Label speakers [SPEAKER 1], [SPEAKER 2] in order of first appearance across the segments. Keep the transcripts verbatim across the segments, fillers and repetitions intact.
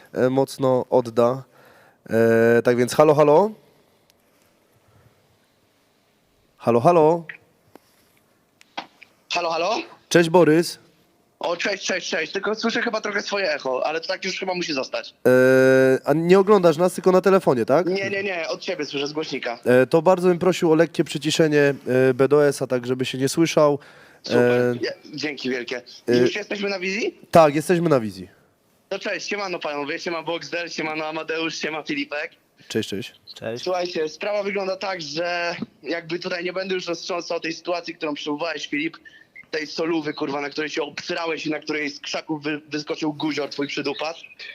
[SPEAKER 1] e, mocno odda. E, tak więc halo, halo. Halo, halo.
[SPEAKER 2] Halo, halo?
[SPEAKER 1] Cześć Borys.
[SPEAKER 2] O, cześć, cześć, cześć. Tylko słyszę chyba trochę swoje echo, ale to tak już chyba musi zostać.
[SPEAKER 1] E, a nie oglądasz nas, tylko na telefonie, tak?
[SPEAKER 2] Nie, nie, nie, od ciebie słyszę z głośnika.
[SPEAKER 1] E, to bardzo bym prosił o lekkie przyciszenie e, B D S a, tak żeby się nie słyszał.
[SPEAKER 2] Super,
[SPEAKER 1] E,
[SPEAKER 2] Ja- dzięki wielkie.
[SPEAKER 1] e-
[SPEAKER 2] Już jesteśmy na wizji?
[SPEAKER 1] tak, jesteśmy na wizji.
[SPEAKER 2] To cześć, siemano panowie, siema Boxdel, siemano Amadeusz, siema Filipek.
[SPEAKER 1] Cześć, cześć.
[SPEAKER 3] Cześć.
[SPEAKER 2] Słuchajcie, sprawa wygląda tak, że jakby tutaj nie będę już roztrząsał tej sytuacji, którą przywołałeś, Filip, tej solówy, kurwa, na której się obsrałeś i na której z krzaków wy, wyskoczył guzior, twój przydupas.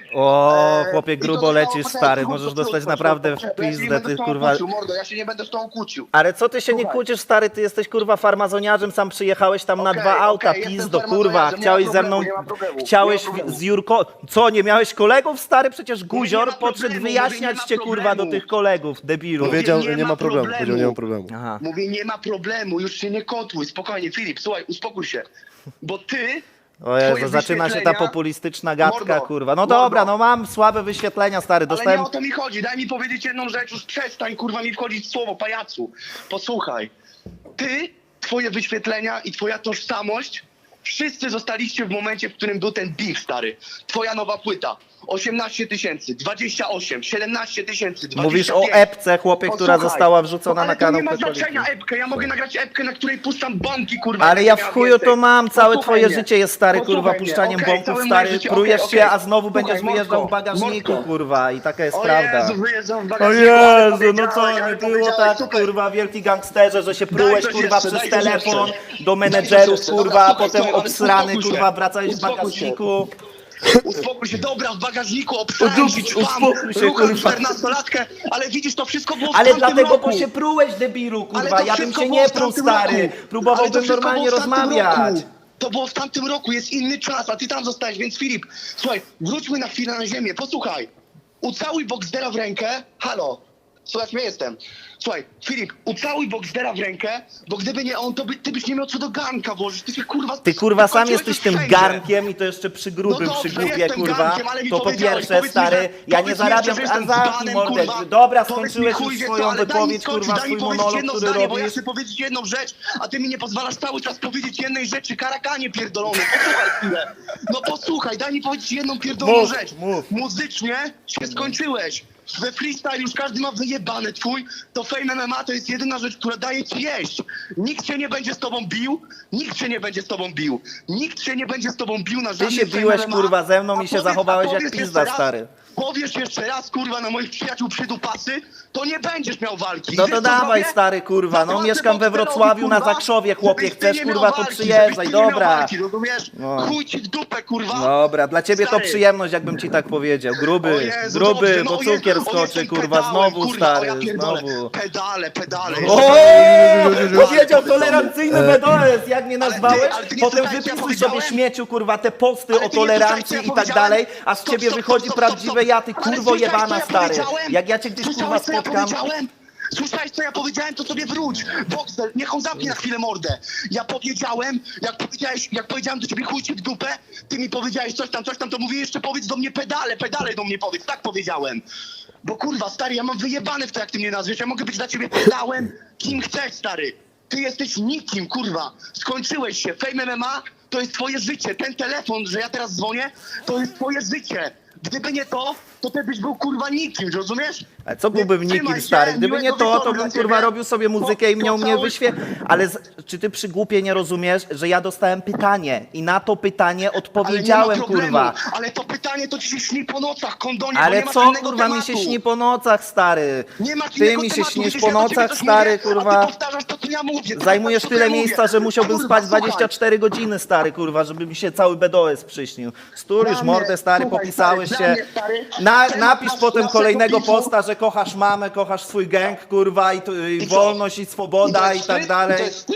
[SPEAKER 3] O,
[SPEAKER 2] Eee,
[SPEAKER 3] chłopie,
[SPEAKER 2] i to
[SPEAKER 3] grubo
[SPEAKER 2] zostało
[SPEAKER 3] lecisz,
[SPEAKER 2] potem
[SPEAKER 3] stary,
[SPEAKER 2] krótko,
[SPEAKER 3] możesz
[SPEAKER 2] krótko,
[SPEAKER 3] dostać
[SPEAKER 2] krótko,
[SPEAKER 3] naprawdę w
[SPEAKER 2] krótko. Ja się nie
[SPEAKER 3] pizdę,
[SPEAKER 2] będę
[SPEAKER 3] ty
[SPEAKER 2] z tą
[SPEAKER 3] kurwa.
[SPEAKER 2] kłócił, mordo, ja się nie będę z tą kłócił.
[SPEAKER 3] Ale co ty się nie
[SPEAKER 2] Słuchaj.
[SPEAKER 3] kłócisz, stary, ty jesteś kurwa farmazoniarzem, sam przyjechałeś tam na
[SPEAKER 2] Okej,
[SPEAKER 3] dwa auta,
[SPEAKER 2] okej, jestem
[SPEAKER 3] pizdo, kurwa,
[SPEAKER 2] farmazoniarzem, nie
[SPEAKER 3] chciałeś
[SPEAKER 2] ma
[SPEAKER 3] ze
[SPEAKER 2] problemu,
[SPEAKER 3] mną,
[SPEAKER 2] nie ma problemu,
[SPEAKER 3] chciałeś
[SPEAKER 2] nie ma problemu.
[SPEAKER 3] z Jurko, co, nie miałeś kolegów, stary, przecież
[SPEAKER 2] nie
[SPEAKER 3] guzior
[SPEAKER 2] ma
[SPEAKER 3] podszedł
[SPEAKER 2] problemu, mówię,
[SPEAKER 3] wyjaśniać
[SPEAKER 2] nie ma
[SPEAKER 3] cię, kurwa, do
[SPEAKER 2] problemu.
[SPEAKER 3] tych kolegów, debilu.
[SPEAKER 1] Powiedział,
[SPEAKER 2] nie
[SPEAKER 1] że nie
[SPEAKER 2] ma
[SPEAKER 1] ma problemu.
[SPEAKER 2] problemu.
[SPEAKER 1] Powiedział, nie ma problemu.
[SPEAKER 3] Aha.
[SPEAKER 2] Mówię, nie ma problemu, już się nie kotłuj, spokojnie, Filip, słuchaj, uspokój się, bo ty...
[SPEAKER 3] O Jezu,
[SPEAKER 2] twoje
[SPEAKER 3] zaczyna się ta
[SPEAKER 2] wyświetlenia-
[SPEAKER 3] populistyczna gadka,
[SPEAKER 2] Mordo,
[SPEAKER 3] kurwa. No
[SPEAKER 2] mordo.
[SPEAKER 3] dobra, no mam słabe wyświetlenia, stary,
[SPEAKER 2] Ale
[SPEAKER 3] dostałem...
[SPEAKER 2] nie o to mi chodzi, daj mi powiedzieć jedną rzecz, już przestań, kurwa, mi wchodzić w słowo, pajacu. Posłuchaj, ty, twoje wyświetlenia i twoja tożsamość, wszyscy zostaliście w momencie, w którym był ten beef, stary. Twoja nowa płyta, osiemnaście tysięcy, dwadzieścia osiem, siedemnaście tysięcy, dwadzieścia pięć.
[SPEAKER 3] Mówisz o epce, chłopie, która
[SPEAKER 2] Posłuchaj,
[SPEAKER 3] została wrzucona
[SPEAKER 2] ale
[SPEAKER 3] na
[SPEAKER 2] to
[SPEAKER 3] kanał
[SPEAKER 2] nie ma
[SPEAKER 3] Pekoliki.
[SPEAKER 2] znaczenia epkę, ja mogę nagrać epkę, na której puszczam bombki, kurwa.
[SPEAKER 3] Ale
[SPEAKER 2] jak
[SPEAKER 3] ja
[SPEAKER 2] nie
[SPEAKER 3] w
[SPEAKER 2] miała
[SPEAKER 3] chuju
[SPEAKER 2] więcej.
[SPEAKER 3] to mam, całe
[SPEAKER 2] Posłuchaj
[SPEAKER 3] twoje
[SPEAKER 2] mnie.
[SPEAKER 3] życie jest, stary, kurwa,
[SPEAKER 2] Posłuchaj mnie.
[SPEAKER 3] puszczaniem
[SPEAKER 2] Okej,
[SPEAKER 3] bombków,
[SPEAKER 2] całe moje
[SPEAKER 3] stary,
[SPEAKER 2] życie,
[SPEAKER 3] prujesz
[SPEAKER 2] okej,
[SPEAKER 3] się,
[SPEAKER 2] okej.
[SPEAKER 3] a znowu
[SPEAKER 2] Słuchaj,
[SPEAKER 3] będziesz wyjeżdżał w
[SPEAKER 2] Mordko,
[SPEAKER 3] bagażniku,
[SPEAKER 2] Mordko.
[SPEAKER 3] kurwa, i taka jest
[SPEAKER 2] O
[SPEAKER 3] prawda.
[SPEAKER 2] Jezu, wyjeżdżam w
[SPEAKER 3] O
[SPEAKER 2] bagażniku, ale
[SPEAKER 3] Jezu, no co,
[SPEAKER 2] powiedziałeś,
[SPEAKER 3] nie
[SPEAKER 2] ale
[SPEAKER 3] było
[SPEAKER 2] powiedziałeś,
[SPEAKER 3] tak,
[SPEAKER 2] super.
[SPEAKER 3] kurwa, wielki gangsterze, że się prułeś,
[SPEAKER 2] coś
[SPEAKER 3] kurwa,
[SPEAKER 2] jeszcze,
[SPEAKER 3] przez
[SPEAKER 2] daj coś
[SPEAKER 3] telefon
[SPEAKER 2] jeszcze.
[SPEAKER 3] do
[SPEAKER 2] Daj coś
[SPEAKER 3] menedżerów,
[SPEAKER 2] jeszcze.
[SPEAKER 3] kurwa,
[SPEAKER 2] Dobra,
[SPEAKER 3] a
[SPEAKER 2] słuchaj,
[SPEAKER 3] potem
[SPEAKER 2] słuchaj, ale
[SPEAKER 3] obsrany,
[SPEAKER 2] uspokój się.
[SPEAKER 3] kurwa, wracałeś w
[SPEAKER 2] Uspokój się.
[SPEAKER 3] bagażniku.
[SPEAKER 2] Uspokój się, dobra, w bagażniku
[SPEAKER 3] O,
[SPEAKER 2] obsrałem się, ćwam,
[SPEAKER 3] uspokój się,
[SPEAKER 2] rucham
[SPEAKER 3] kurwa.
[SPEAKER 2] czternastolatkę, ale widzisz, to wszystko było w
[SPEAKER 3] Ale
[SPEAKER 2] tamtym
[SPEAKER 3] dlatego,
[SPEAKER 2] roku.
[SPEAKER 3] bo się prułeś, debilu,
[SPEAKER 2] Ale
[SPEAKER 3] kurwa,
[SPEAKER 2] to
[SPEAKER 3] ja bym
[SPEAKER 2] wszystko
[SPEAKER 3] się
[SPEAKER 2] było
[SPEAKER 3] nie
[SPEAKER 2] w
[SPEAKER 3] pruł,
[SPEAKER 2] tamtym
[SPEAKER 3] stary.
[SPEAKER 2] roku. Ale to
[SPEAKER 3] Próbowałbym
[SPEAKER 2] wszystko
[SPEAKER 3] normalnie
[SPEAKER 2] było w tamtym
[SPEAKER 3] rozmawiać.
[SPEAKER 2] roku. To było w tamtym roku, jest inny czas, a ty tam zostałeś, więc Filip, słuchaj, wróćmy na chwilę na ziemię, posłuchaj. Ucałuj Boxdela w rękę, halo, słuchaj, ja jestem. Słuchaj, Filip, ucałuj Boxdela w rękę, bo gdyby nie on, to by, ty byś nie miał co do garnka włożyć, ty się kurwa...
[SPEAKER 3] Ty kurwa sam
[SPEAKER 2] skończyłeś
[SPEAKER 3] jesteś
[SPEAKER 2] to
[SPEAKER 3] tym
[SPEAKER 2] wszędzie.
[SPEAKER 3] garnkiem i to jeszcze przy grubym,
[SPEAKER 2] No dobrze,
[SPEAKER 3] przy głupie,
[SPEAKER 2] jestem
[SPEAKER 3] kurwa.
[SPEAKER 2] garnkiem, ale mi
[SPEAKER 3] To po
[SPEAKER 2] powiedziałeś,
[SPEAKER 3] pierwsze,
[SPEAKER 2] powiedz mi,
[SPEAKER 3] stary,
[SPEAKER 2] że-
[SPEAKER 3] ja nie
[SPEAKER 2] powiedz mi
[SPEAKER 3] zarabiam
[SPEAKER 2] jeszcze, że jestem
[SPEAKER 3] azaki,
[SPEAKER 2] dzbanem,
[SPEAKER 3] mordę.
[SPEAKER 2] kurwa.
[SPEAKER 3] Dobra,
[SPEAKER 2] Powiedz mi,
[SPEAKER 3] skończyłeś
[SPEAKER 2] chuj
[SPEAKER 3] już
[SPEAKER 2] wie co,
[SPEAKER 3] swoją
[SPEAKER 2] ale daj mi
[SPEAKER 3] wypowiedź,
[SPEAKER 2] skończyć,
[SPEAKER 3] kurwa,
[SPEAKER 2] daj mi
[SPEAKER 3] swój
[SPEAKER 2] powiedzieć
[SPEAKER 3] monolog,
[SPEAKER 2] jedno
[SPEAKER 3] który
[SPEAKER 2] zdanie, bo ja
[SPEAKER 3] robisz.
[SPEAKER 2] chcę powiedzieć jedną rzecz, a ty mi nie pozwalasz cały czas powiedzieć jednej rzeczy, karakanie pierdolony, posłuchaj chwilę. No posłuchaj, daj mi powiedzieć jedną pierdoloną
[SPEAKER 3] Mów,
[SPEAKER 2] rzecz.
[SPEAKER 3] mów.
[SPEAKER 2] Muzycznie się skończyłeś. We freestyle już każdy ma wyjebane twój, to Fame M M A to jest jedyna rzecz, która daje ci jeść. Nikt się nie będzie z tobą bił, nikt się nie będzie z tobą bił. Nikt się nie będzie z tobą bił na
[SPEAKER 3] Ty
[SPEAKER 2] żadnym
[SPEAKER 3] się
[SPEAKER 2] Fame
[SPEAKER 3] biłeś,
[SPEAKER 2] M M A.
[SPEAKER 3] kurwa, ze mną
[SPEAKER 2] A
[SPEAKER 3] i się
[SPEAKER 2] powiedz-
[SPEAKER 3] zachowałeś
[SPEAKER 2] a
[SPEAKER 3] jak
[SPEAKER 2] powiedz
[SPEAKER 3] pizda,
[SPEAKER 2] jeszcze raz,
[SPEAKER 3] stary.
[SPEAKER 2] Powiesz jeszcze raz, kurwa, na moich przyjaciół przydupasy, to nie będziesz miał walki.
[SPEAKER 3] No
[SPEAKER 2] Wiesz,
[SPEAKER 3] to
[SPEAKER 2] co
[SPEAKER 3] dawaj,
[SPEAKER 2] zrobię?
[SPEAKER 3] stary, kurwa, no
[SPEAKER 2] Zapłacę
[SPEAKER 3] mieszkam we
[SPEAKER 2] Boxdelowi,
[SPEAKER 3] Wrocławiu na
[SPEAKER 2] kurwa,
[SPEAKER 3] Zakrzowie, chłopie,
[SPEAKER 2] żebyś ty
[SPEAKER 3] chcesz,
[SPEAKER 2] nie miał
[SPEAKER 3] kurwa, to
[SPEAKER 2] walki,
[SPEAKER 3] przyjeżdżaj,
[SPEAKER 2] żebyś ty nie miał
[SPEAKER 3] dobra.
[SPEAKER 2] walki, rozumiesz?
[SPEAKER 3] No.
[SPEAKER 2] Chuj ci w dupę, kurwa.
[SPEAKER 3] Dobra, dla ciebie to
[SPEAKER 2] Stary.
[SPEAKER 3] przyjemność, jakbym ci tak powiedział.
[SPEAKER 2] O
[SPEAKER 3] Gruby,
[SPEAKER 2] Jezu,
[SPEAKER 3] gruby,
[SPEAKER 2] dobrze,
[SPEAKER 3] bo
[SPEAKER 2] no, o Jezu,
[SPEAKER 3] cukier
[SPEAKER 2] o,
[SPEAKER 3] skoczy,
[SPEAKER 2] jestem
[SPEAKER 3] kurwa,
[SPEAKER 2] pedałem,
[SPEAKER 3] znowu,
[SPEAKER 2] kurwa, o,
[SPEAKER 3] stary,
[SPEAKER 2] ja pierdolę.
[SPEAKER 3] znowu.
[SPEAKER 2] Pedale, pedale.
[SPEAKER 3] O,
[SPEAKER 2] Pedale,
[SPEAKER 3] powiedział
[SPEAKER 2] pedale.
[SPEAKER 3] tolerancyjny B D S, jak mnie
[SPEAKER 2] Ale ty-
[SPEAKER 3] nazwałeś,
[SPEAKER 2] ale ty nie
[SPEAKER 3] potem
[SPEAKER 2] słuchaj, co ja
[SPEAKER 3] wypisuj sobie
[SPEAKER 2] powiedziałem?
[SPEAKER 3] śmieciu, kurwa, te posty
[SPEAKER 2] Ale
[SPEAKER 3] o
[SPEAKER 2] ty nie słuchaj,
[SPEAKER 3] tolerancji
[SPEAKER 2] co ja
[SPEAKER 3] i tak
[SPEAKER 2] powiedziałem?
[SPEAKER 3] dalej, a z
[SPEAKER 2] Stop,
[SPEAKER 3] ciebie
[SPEAKER 2] stop,
[SPEAKER 3] wychodzi
[SPEAKER 2] stop, stop,
[SPEAKER 3] prawdziwe
[SPEAKER 2] stop.
[SPEAKER 3] ja, ty
[SPEAKER 2] Ale
[SPEAKER 3] kurwo
[SPEAKER 2] słyszałeś, co
[SPEAKER 3] jebana,
[SPEAKER 2] ja
[SPEAKER 3] stary.
[SPEAKER 2] powiedziałem?
[SPEAKER 3] Jak ja cię gdzieś, kurwa,
[SPEAKER 2] Słyszałeś, co ja
[SPEAKER 3] spotkam...
[SPEAKER 2] powiedziałem? Słyszałeś, co ja powiedziałem, to sobie wróć. Boxer, niech on zamknie na chwilę mordę. Ja powiedziałem, jak powiedziałeś, jak powiedziałem do ciebie chuj ci w dupę, ty mi powiedziałeś coś tam, coś tam, to mówię jeszcze powiedz do mnie pedale, pedale do mnie powiedz, tak powiedziałem. Bo kurwa, stary, ja mam wyjebane w to, jak ty mnie nazwiesz, ja mogę być dla ciebie pedałem, kim chcesz, stary. Ty jesteś nikim, kurwa. Skończyłeś się. Fame M M A to jest twoje życie. Ten telefon, że ja teraz dzwonię, to jest twoje życie. Gdyby nie to, to ty byś był kurwa nikim, rozumiesz?
[SPEAKER 3] Ale co byłbym
[SPEAKER 2] Trzymaj
[SPEAKER 3] nikim,
[SPEAKER 2] się,
[SPEAKER 3] stary? Gdyby nie
[SPEAKER 2] miłego
[SPEAKER 3] to,
[SPEAKER 2] wieczoru
[SPEAKER 3] to
[SPEAKER 2] dla
[SPEAKER 3] bym,
[SPEAKER 2] ciebie.
[SPEAKER 3] kurwa, robił sobie muzykę i
[SPEAKER 2] Po-
[SPEAKER 3] miał mnie
[SPEAKER 2] pocałuj-
[SPEAKER 3] wyświe... Ale z... czy ty przy głupie nie rozumiesz, że ja dostałem pytanie i na to pytanie
[SPEAKER 2] Ale
[SPEAKER 3] odpowiedziałem,
[SPEAKER 2] nie ma problemu.
[SPEAKER 3] kurwa.
[SPEAKER 2] Ale to pytanie to ci się śni po nocach, kondonie, bo
[SPEAKER 3] Ale
[SPEAKER 2] nie masz
[SPEAKER 3] co,
[SPEAKER 2] innego
[SPEAKER 3] kurwa, mi
[SPEAKER 2] tematu.
[SPEAKER 3] się śni po nocach, stary?
[SPEAKER 2] Nie ma
[SPEAKER 3] Ty
[SPEAKER 2] innego
[SPEAKER 3] mi się
[SPEAKER 2] tematu,
[SPEAKER 3] śnisz
[SPEAKER 2] widzisz,
[SPEAKER 3] po
[SPEAKER 2] ja do ciebie
[SPEAKER 3] nocach,
[SPEAKER 2] coś
[SPEAKER 3] stary,
[SPEAKER 2] mówię, A
[SPEAKER 3] kurwa.
[SPEAKER 2] ty powtarzasz to, co ja mówię. Ty
[SPEAKER 3] Zajmujesz
[SPEAKER 2] powtarzasz,
[SPEAKER 3] tyle
[SPEAKER 2] co ja
[SPEAKER 3] miejsca,
[SPEAKER 2] mówię.
[SPEAKER 3] że musiałbym
[SPEAKER 2] Kurwa,
[SPEAKER 3] spać
[SPEAKER 2] słuchaj.
[SPEAKER 3] dwadzieścia cztery godziny, stary, kurwa, żeby mi się cały B D S przyśnił. Stur już
[SPEAKER 2] Dla
[SPEAKER 3] mordę,
[SPEAKER 2] mnie,
[SPEAKER 3] stary,
[SPEAKER 2] słuchaj,
[SPEAKER 3] popisałeś
[SPEAKER 2] stary,
[SPEAKER 3] się.
[SPEAKER 2] dla mnie, stary,
[SPEAKER 3] Na,
[SPEAKER 2] temat
[SPEAKER 3] napisz
[SPEAKER 2] nasz-
[SPEAKER 3] potem
[SPEAKER 2] naszego
[SPEAKER 3] kolejnego
[SPEAKER 2] pisu-
[SPEAKER 3] posta, że kochasz mamę, kochasz swój gang, kurwa, i, tu- i
[SPEAKER 2] I co?
[SPEAKER 3] wolność, i
[SPEAKER 2] I to
[SPEAKER 3] swoboda, i
[SPEAKER 2] jest
[SPEAKER 3] tak
[SPEAKER 2] wstyd? I
[SPEAKER 3] dalej.
[SPEAKER 2] to jest wstyd?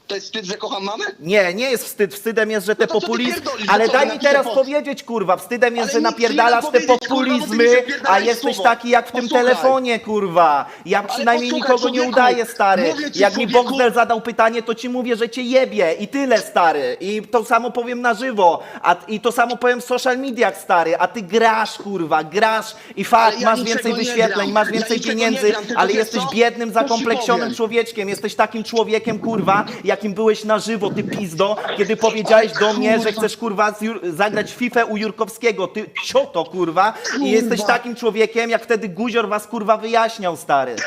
[SPEAKER 2] To jest wstyd, że kocham mamę?
[SPEAKER 3] Nie, nie jest wstyd. Wstydem jest, że te
[SPEAKER 2] No to co ty
[SPEAKER 3] populizmy...
[SPEAKER 2] pierdolisz?
[SPEAKER 3] Ale
[SPEAKER 2] No co,
[SPEAKER 3] daj mi
[SPEAKER 2] napiszę
[SPEAKER 3] teraz
[SPEAKER 2] post.
[SPEAKER 3] powiedzieć, kurwa. Wstydem jest,
[SPEAKER 2] Ale
[SPEAKER 3] że
[SPEAKER 2] nic
[SPEAKER 3] napierdalasz
[SPEAKER 2] nie
[SPEAKER 3] te
[SPEAKER 2] powiedzieć, kurwa, bo ty mi
[SPEAKER 3] populizmy,
[SPEAKER 2] zapierdalaj
[SPEAKER 3] a jesteś
[SPEAKER 2] słowo.
[SPEAKER 3] taki jak w tym
[SPEAKER 2] Posłuchaj.
[SPEAKER 3] telefonie, kurwa. Ja przynajmniej
[SPEAKER 2] posłuchaj,
[SPEAKER 3] nikogo nie
[SPEAKER 2] człowieku.
[SPEAKER 3] udaję, stary.
[SPEAKER 2] Mówię ci,
[SPEAKER 3] Jak mi
[SPEAKER 2] człowieku.
[SPEAKER 3] Boxdel zadał pytanie, to ci mówię, że cię jebie. I tyle, stary. I to samo powiem na żywo. A, I to samo powiem w social mediach, stary. A ty grasz, kurwa, grasz i fakt,
[SPEAKER 2] Ale ja
[SPEAKER 3] masz
[SPEAKER 2] niczego
[SPEAKER 3] więcej
[SPEAKER 2] nie
[SPEAKER 3] wyświetleń,
[SPEAKER 2] gram.
[SPEAKER 3] masz
[SPEAKER 2] Ja
[SPEAKER 3] więcej
[SPEAKER 2] niczego nie
[SPEAKER 3] pieniędzy,
[SPEAKER 2] gram, tylko
[SPEAKER 3] ale
[SPEAKER 2] wiesz
[SPEAKER 3] jesteś
[SPEAKER 2] co?
[SPEAKER 3] biednym,
[SPEAKER 2] To ci
[SPEAKER 3] zakompleksionym
[SPEAKER 2] powiem.
[SPEAKER 3] człowiekiem. Jesteś takim człowiekiem, kurwa, jakim byłeś na żywo, ty pizdo, kiedy powiedziałeś do mnie, że
[SPEAKER 2] kurwa.
[SPEAKER 3] chcesz, kurwa, z Jur- zagrać FIFA u Jurkowskiego. Ty cioto, kurwa. I jesteś takim człowiekiem, jak wtedy Guzior was, kurwa, wyjaśniał, stary.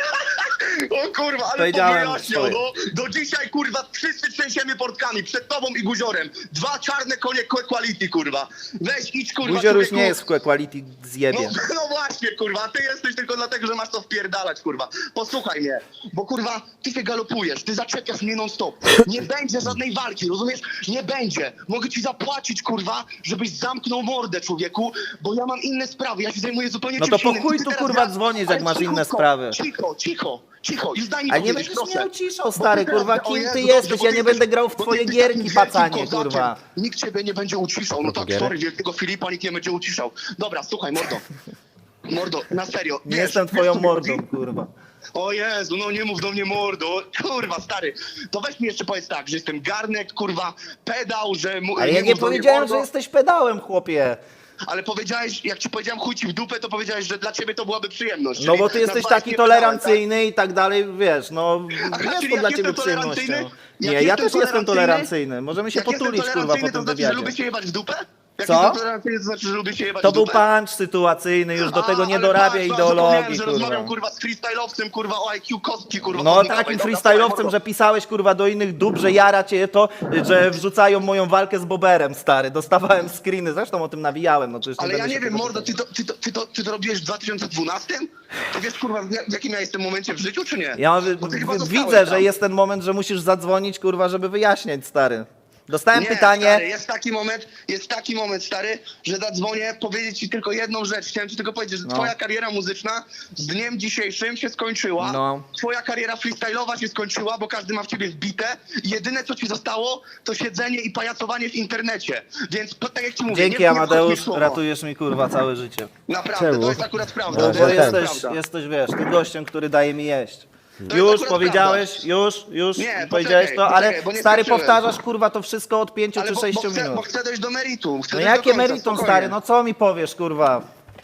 [SPEAKER 2] O kurwa, ale
[SPEAKER 3] Powiedziałem
[SPEAKER 2] powyjaśniał,
[SPEAKER 3] swoje.
[SPEAKER 2] no. Do dzisiaj, kurwa, wszyscy trzęsiemy portkami przed tobą i Guziorem. Dwa czarne konie quality, kurwa. Weź, idź, kurwa,
[SPEAKER 3] Guzior już
[SPEAKER 2] człowieku.
[SPEAKER 3] nie jest w quality, zjebie.
[SPEAKER 2] No, no właśnie, kurwa, ty jesteś tylko dlatego, że masz to wpierdalać, kurwa. Posłuchaj mnie, bo kurwa, ty się galopujesz, ty zaczepiasz mnie non stop. Nie będzie żadnej walki, rozumiesz? Nie będzie. Mogę ci zapłacić, kurwa, żebyś zamknął mordę, człowieku, bo ja mam inne sprawy, ja się zajmuję zupełnie
[SPEAKER 3] No to
[SPEAKER 2] czymś
[SPEAKER 3] po
[SPEAKER 2] innym.
[SPEAKER 3] chuj
[SPEAKER 2] I ty
[SPEAKER 3] tu,
[SPEAKER 2] teraz
[SPEAKER 3] kurwa,
[SPEAKER 2] gra-
[SPEAKER 3] dzwonisz, jak
[SPEAKER 2] Ale
[SPEAKER 3] masz inne
[SPEAKER 2] cichutko,
[SPEAKER 3] sprawy.
[SPEAKER 2] Cicho, cicho, cicho, już daj mi
[SPEAKER 3] Ale nie
[SPEAKER 2] powiedzieć,
[SPEAKER 3] będziesz
[SPEAKER 2] proszę.
[SPEAKER 3] mnie uciszał,
[SPEAKER 2] Bo
[SPEAKER 3] stary,
[SPEAKER 2] ty teraz-
[SPEAKER 3] kurwa,
[SPEAKER 2] o
[SPEAKER 3] kim
[SPEAKER 2] Jezu,
[SPEAKER 3] ty
[SPEAKER 2] dobrze,
[SPEAKER 3] jesteś?
[SPEAKER 2] bo
[SPEAKER 3] Ja
[SPEAKER 2] ty
[SPEAKER 3] nie
[SPEAKER 2] jesteś-
[SPEAKER 3] będę grał w
[SPEAKER 2] bo ty
[SPEAKER 3] twoje
[SPEAKER 2] jesteś
[SPEAKER 3] gierki,
[SPEAKER 2] takim wielkim
[SPEAKER 3] pacanie,
[SPEAKER 2] kozakiem.
[SPEAKER 3] kurwa.
[SPEAKER 2] Nikt ciebie nie będzie uciszał, no tak,
[SPEAKER 4] gierek?
[SPEAKER 2] sorry, wielkiego Filipa nikt nie będzie uciszał. Dobra, słuchaj, mordo. Mordo, na serio.
[SPEAKER 3] Nie
[SPEAKER 2] wiesz,
[SPEAKER 3] jestem
[SPEAKER 2] wiesz,
[SPEAKER 3] twoją
[SPEAKER 2] co mi chodzi?
[SPEAKER 3] mordą, kurwa.
[SPEAKER 2] O Jezu, no nie mów do mnie mordo. Kurwa, stary. To weź mi jeszcze powiedz tak, że jestem garnek, kurwa, pedał, że... mu-
[SPEAKER 3] Ale ja nie
[SPEAKER 2] mów do mnie
[SPEAKER 3] powiedziałem,
[SPEAKER 2] mordo.
[SPEAKER 3] że jesteś pedałem, chłopie.
[SPEAKER 2] Ale powiedziałeś, jak ci powiedziałem chuj ci w dupę, to powiedziałeś, że dla ciebie to byłaby przyjemność.
[SPEAKER 3] No
[SPEAKER 2] czyli
[SPEAKER 3] bo ty jesteś
[SPEAKER 2] nazwałeś
[SPEAKER 3] taki
[SPEAKER 2] mnie pedałem,
[SPEAKER 3] tolerancyjny i tak dalej, wiesz, no
[SPEAKER 2] Aha,
[SPEAKER 3] jest
[SPEAKER 2] czyli
[SPEAKER 3] to
[SPEAKER 2] jak
[SPEAKER 3] dla ciebie
[SPEAKER 2] jestem
[SPEAKER 3] przyjemnością.
[SPEAKER 2] tolerancyjny?
[SPEAKER 3] Nie,
[SPEAKER 2] Jak
[SPEAKER 3] ja
[SPEAKER 2] jestem
[SPEAKER 3] też jestem
[SPEAKER 2] tolerancyjny?
[SPEAKER 3] tolerancyjny. Możemy się
[SPEAKER 2] Jak jestem
[SPEAKER 3] potulić, kurwa, po
[SPEAKER 2] tolerancyjny,
[SPEAKER 3] tym
[SPEAKER 2] to znaczy, że
[SPEAKER 3] wywiadzie.
[SPEAKER 2] lubię się jebać w dupę? Jak
[SPEAKER 3] Co?
[SPEAKER 2] jestem tolerancyjny, to znaczy, że lubię się jebać
[SPEAKER 3] To
[SPEAKER 2] w
[SPEAKER 3] był
[SPEAKER 2] dupę?
[SPEAKER 3] punch sytuacyjny, już do
[SPEAKER 2] A,
[SPEAKER 3] tego nie
[SPEAKER 2] ale
[SPEAKER 3] dorabia
[SPEAKER 2] patrz,
[SPEAKER 3] ideologii,
[SPEAKER 2] zapomniałem, że rozmawiam,
[SPEAKER 3] kurwa.
[SPEAKER 2] kurwa, z freestyle'owcem, kurwa, o I Q kostki, kurwa.
[SPEAKER 3] No
[SPEAKER 2] chodnikowej.
[SPEAKER 3] takim
[SPEAKER 2] Dobra,
[SPEAKER 3] freestyle'owcem,
[SPEAKER 2] słuchaj,
[SPEAKER 3] że pisałeś, kurwa, do innych dób, że jara cię to, że wrzucają moją walkę z Boberem, stary. Dostawałem screeny, zresztą o tym nawijałem, no to już
[SPEAKER 2] Ale ja
[SPEAKER 3] będę
[SPEAKER 2] nie
[SPEAKER 3] się
[SPEAKER 2] wiem,
[SPEAKER 3] tego
[SPEAKER 2] mordo,
[SPEAKER 3] czepiał.
[SPEAKER 2] ty to, ty, to, ty, to, ty to robiłeś w dwa tysiące dwunastym? Ty wiesz, kurwa, w jak- w jakim ja jestem momencie w życiu, czy nie?
[SPEAKER 3] Ja
[SPEAKER 2] Bo ty chyba
[SPEAKER 3] w-
[SPEAKER 2] zostałeś
[SPEAKER 3] widzę,
[SPEAKER 2] tam.
[SPEAKER 3] że jest ten moment, że musisz zadzwonić, kurwa, żeby wyjaśniać, stary. Dostałem
[SPEAKER 2] Nie,
[SPEAKER 3] pytanie,
[SPEAKER 2] stary, jest taki moment, jest taki moment, stary, że zadzwonię, powiedzieć ci tylko jedną rzecz. Chciałem ci tylko powiedzieć, że
[SPEAKER 3] No.
[SPEAKER 2] twoja kariera muzyczna z dniem dzisiejszym się skończyła.
[SPEAKER 3] No.
[SPEAKER 2] Twoja kariera freestyle'owa się skończyła, bo każdy ma w ciebie wbite. I jedyne, co ci zostało, to siedzenie i pajacowanie w internecie. Więc to, tak jak ci mówię,
[SPEAKER 3] dzięki
[SPEAKER 2] nie, nie
[SPEAKER 3] Amadeusz,
[SPEAKER 2] wchodź mi w słowo.
[SPEAKER 3] ratujesz mi, kurwa, całe życie.
[SPEAKER 2] Naprawdę,
[SPEAKER 4] Czemu?
[SPEAKER 2] to jest akurat prawda.
[SPEAKER 3] Bo,
[SPEAKER 4] No,
[SPEAKER 2] to
[SPEAKER 3] bo
[SPEAKER 4] że
[SPEAKER 2] jest
[SPEAKER 4] ten.
[SPEAKER 3] jesteś,
[SPEAKER 2] prawda.
[SPEAKER 3] jesteś, wiesz, ty gościem, który daje mi jeść.
[SPEAKER 2] jest
[SPEAKER 3] Już
[SPEAKER 2] akurat
[SPEAKER 3] powiedziałeś,
[SPEAKER 2] prawda.
[SPEAKER 3] już, już
[SPEAKER 2] Nie,
[SPEAKER 3] powiedziałeś
[SPEAKER 2] poczekaj,
[SPEAKER 3] to, ale
[SPEAKER 2] poczekaj, bo nie
[SPEAKER 3] stary,
[SPEAKER 2] skończyłem.
[SPEAKER 3] powtarzasz, kurwa, to wszystko od pięciu
[SPEAKER 2] Ale
[SPEAKER 3] czy
[SPEAKER 2] bo,
[SPEAKER 3] sześciu
[SPEAKER 2] bo, chcę, bo
[SPEAKER 3] minut.
[SPEAKER 2] chcę dojść do meritum. Chcę
[SPEAKER 3] No
[SPEAKER 2] dojść do
[SPEAKER 3] jakie
[SPEAKER 2] końca,
[SPEAKER 3] meritum,
[SPEAKER 2] spokojnie.
[SPEAKER 3] stary, no co mi powiesz, kurwa?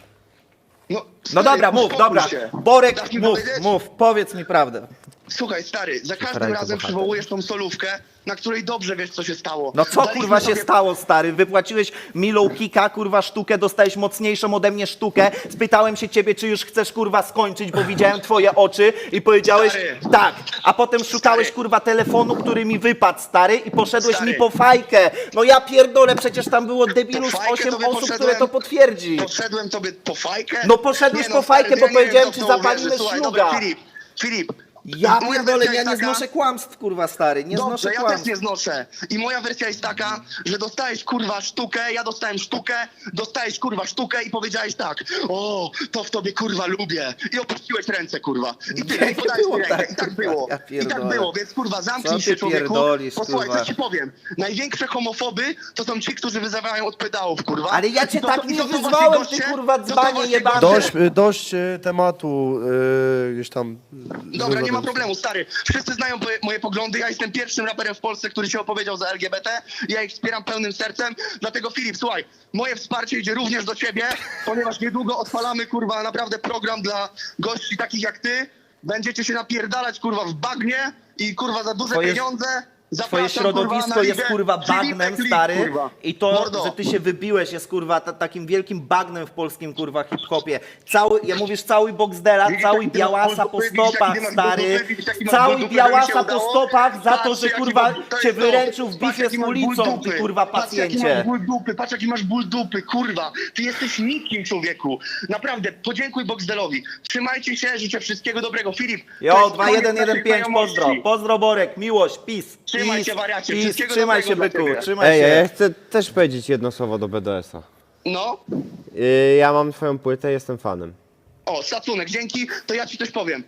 [SPEAKER 2] No,
[SPEAKER 3] No
[SPEAKER 2] stary,
[SPEAKER 3] dobra, mów,
[SPEAKER 2] uspokój
[SPEAKER 3] dobra.
[SPEAKER 2] się.
[SPEAKER 3] Borek,
[SPEAKER 2] Dasz mi
[SPEAKER 3] mów,
[SPEAKER 2] powiedzieć?
[SPEAKER 3] mów, powiedz mi prawdę.
[SPEAKER 2] Słuchaj, stary, za każdym
[SPEAKER 4] Ręka
[SPEAKER 2] razem
[SPEAKER 4] bohater.
[SPEAKER 2] przywołujesz tą solówkę, na której dobrze wiesz, co się stało.
[SPEAKER 3] No co,
[SPEAKER 2] Daliśmy
[SPEAKER 3] kurwa, się
[SPEAKER 2] sobie-
[SPEAKER 3] stało, stary? Wypłaciłeś milą kika, kurwa, sztukę, dostałeś mocniejszą ode mnie sztukę. Spytałem się ciebie, czy już chcesz, kurwa, skończyć, bo widziałem twoje oczy i powiedziałeś
[SPEAKER 2] Stary.
[SPEAKER 3] tak. A potem szukałeś,
[SPEAKER 2] Stary.
[SPEAKER 3] kurwa, telefonu, który mi wypadł, stary, i poszedłeś
[SPEAKER 2] Stary.
[SPEAKER 3] mi po fajkę. No ja pierdolę, przecież tam było debilus
[SPEAKER 2] Po fajkę
[SPEAKER 3] osiem
[SPEAKER 2] tobie
[SPEAKER 3] osób,
[SPEAKER 2] poszedłem.
[SPEAKER 3] które to potwierdzi.
[SPEAKER 2] Poszedłem tobie po fajkę?
[SPEAKER 3] No poszedłeś
[SPEAKER 2] Nie,
[SPEAKER 3] po
[SPEAKER 2] stary,
[SPEAKER 3] fajkę,
[SPEAKER 2] ja
[SPEAKER 3] bo
[SPEAKER 2] nie wiem,
[SPEAKER 3] powiedziałem
[SPEAKER 2] kto
[SPEAKER 3] ci,
[SPEAKER 2] w to
[SPEAKER 3] zapalimy
[SPEAKER 2] uwierzy. Słuchaj,
[SPEAKER 3] szluga.
[SPEAKER 2] dobra, Filip, Filip.
[SPEAKER 3] Ja
[SPEAKER 2] moja
[SPEAKER 3] pierdolę,
[SPEAKER 2] wersja
[SPEAKER 3] ja
[SPEAKER 2] jest
[SPEAKER 3] nie
[SPEAKER 2] taka-
[SPEAKER 3] znoszę kłamstw, kurwa, stary, nie
[SPEAKER 2] Dobrze,
[SPEAKER 3] znoszę
[SPEAKER 2] ja też
[SPEAKER 3] kłamstw.
[SPEAKER 2] nie znoszę. I moja wersja jest taka, że dostałeś kurwa sztukę, ja dostałem sztukę, dostałeś kurwa sztukę i powiedziałeś tak: o, to w tobie kurwa lubię. I opuściłeś ręce, kurwa. I tyle,
[SPEAKER 3] Nie
[SPEAKER 2] i podałeś
[SPEAKER 3] było
[SPEAKER 2] mi rękę.
[SPEAKER 3] tak,
[SPEAKER 2] I tak
[SPEAKER 3] kurwa,
[SPEAKER 2] było.
[SPEAKER 3] ja
[SPEAKER 2] I tak
[SPEAKER 3] pierdolę.
[SPEAKER 2] było, więc kurwa zamknij
[SPEAKER 3] Co
[SPEAKER 2] się,
[SPEAKER 3] ty
[SPEAKER 2] człowieku.
[SPEAKER 3] pierdolisz,
[SPEAKER 2] Posłuchaj,
[SPEAKER 3] kurwa.
[SPEAKER 2] co ci powiem. Największe homofoby to są ci, którzy wyzywają od pedałów, kurwa.
[SPEAKER 3] Ale ja cię
[SPEAKER 2] I to
[SPEAKER 3] tak
[SPEAKER 2] są-
[SPEAKER 3] nie
[SPEAKER 2] i to są właśnie
[SPEAKER 3] wyzwałem, ty,
[SPEAKER 2] goście-
[SPEAKER 3] kurwa,
[SPEAKER 2] to są
[SPEAKER 3] dzbanie
[SPEAKER 2] właśnie
[SPEAKER 3] jebany.
[SPEAKER 2] goście-
[SPEAKER 1] Dość, y, dość y, tematu y, gdzieś tam.
[SPEAKER 2] Dobra, nie ma
[SPEAKER 1] związanym z-
[SPEAKER 2] problemu, stary. Wszyscy znają moje, moje poglądy. Ja jestem pierwszym raperem w Polsce, który się opowiedział za L G B T. Ja ich wspieram pełnym sercem. Dlatego, Filip, słuchaj, moje wsparcie idzie również do ciebie, ponieważ niedługo odpalamy, kurwa, naprawdę program dla gości takich jak ty. Będziecie się napierdalać, kurwa, w bagnie i, kurwa, za duże
[SPEAKER 3] Twoje-
[SPEAKER 2] pieniądze.
[SPEAKER 3] Twoje
[SPEAKER 2] Zapraszam,
[SPEAKER 3] środowisko
[SPEAKER 2] kurwa, na
[SPEAKER 3] jest,
[SPEAKER 2] ligę
[SPEAKER 3] kurwa,
[SPEAKER 2] Filipek
[SPEAKER 3] bagnem,
[SPEAKER 2] Lig,
[SPEAKER 3] stary.
[SPEAKER 2] kurwa.
[SPEAKER 3] I to,
[SPEAKER 2] Mordo.
[SPEAKER 3] że ty się wybiłeś, jest, kurwa, ta, takim wielkim bagnem w polskim, kurwa, hip-hopie. Cały, ja mówisz, cały Boxdela,
[SPEAKER 2] Widzisz,
[SPEAKER 3] cały
[SPEAKER 2] jaki ty masz
[SPEAKER 3] Białasa po
[SPEAKER 2] ból dupy? Widzisz, jaki
[SPEAKER 3] stopach,
[SPEAKER 2] ty masz
[SPEAKER 3] stary.
[SPEAKER 2] ból dupy? Widzisz, jaki masz
[SPEAKER 3] Cały
[SPEAKER 2] ból dupy, że mi się
[SPEAKER 3] Białasa po
[SPEAKER 2] udało?
[SPEAKER 3] stopach za to,
[SPEAKER 2] Patrz,
[SPEAKER 3] że,
[SPEAKER 2] jaki
[SPEAKER 3] kurwa,
[SPEAKER 2] masz- to
[SPEAKER 3] cię
[SPEAKER 2] jest to.
[SPEAKER 3] wyręczył w
[SPEAKER 2] Patrz,
[SPEAKER 3] bitwie
[SPEAKER 2] jaki
[SPEAKER 3] z
[SPEAKER 2] masz ból
[SPEAKER 3] ulicą,
[SPEAKER 2] dupy.
[SPEAKER 3] ty, kurwa,
[SPEAKER 2] Patrz, jaki masz
[SPEAKER 3] pacjencie.
[SPEAKER 2] ból dupy, patrz, jaki masz ból dupy, kurwa. Ty jesteś nikim, człowieku. Naprawdę, podziękuj Boxdelowi. Trzymajcie się, życzę wszystkiego dobrego. Filip, to
[SPEAKER 3] Jo,
[SPEAKER 2] jest
[SPEAKER 3] dwa
[SPEAKER 2] koniec
[SPEAKER 3] jeden jeden
[SPEAKER 2] naszej
[SPEAKER 3] pięć,
[SPEAKER 2] znajomości.
[SPEAKER 3] pozdro. Pozdro, Borek, miłość, peace.
[SPEAKER 2] Trzymaj
[SPEAKER 3] peace,
[SPEAKER 2] się, wariacie.
[SPEAKER 3] peace.
[SPEAKER 2] Wszystkiego
[SPEAKER 3] Trzymaj
[SPEAKER 2] dobrego
[SPEAKER 3] się,
[SPEAKER 2] dla
[SPEAKER 3] byku,
[SPEAKER 2] ciebie.
[SPEAKER 3] trzymaj
[SPEAKER 4] Ej,
[SPEAKER 3] się.
[SPEAKER 4] ja chcę też powiedzieć jedno słowo do B D S-a.
[SPEAKER 2] No,
[SPEAKER 4] Yy, ja mam twoją płytę, jestem fanem.
[SPEAKER 2] o, szacunek, dzięki. To ja ci coś powiem.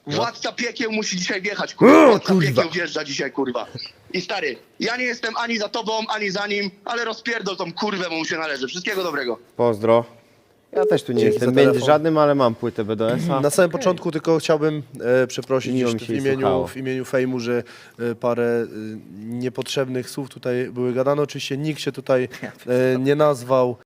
[SPEAKER 2] Władca piekieł musi dzisiaj wjechać, kurwa. Władca piekieł wjeżdża dzisiaj, kurwa. I stary, ja nie jestem ani za tobą, ani za nim, ale rozpierdol tą kurwę, bo mu się należy. Wszystkiego dobrego.
[SPEAKER 4] Pozdro. Ja też tu nie
[SPEAKER 1] Dzięki
[SPEAKER 4] jestem
[SPEAKER 1] za
[SPEAKER 4] między
[SPEAKER 1] telefon.
[SPEAKER 4] żadnym, ale mam płytę B D S a.
[SPEAKER 1] Na samym początku tylko chciałbym e, przeprosić
[SPEAKER 4] Miło mi
[SPEAKER 1] jeszcze w
[SPEAKER 4] się
[SPEAKER 1] imieniu,
[SPEAKER 4] słuchało.
[SPEAKER 1] w imieniu Fejmu, że e, parę e, niepotrzebnych słów tutaj były gadane. Oczywiście nikt się tutaj e, nie nazwał.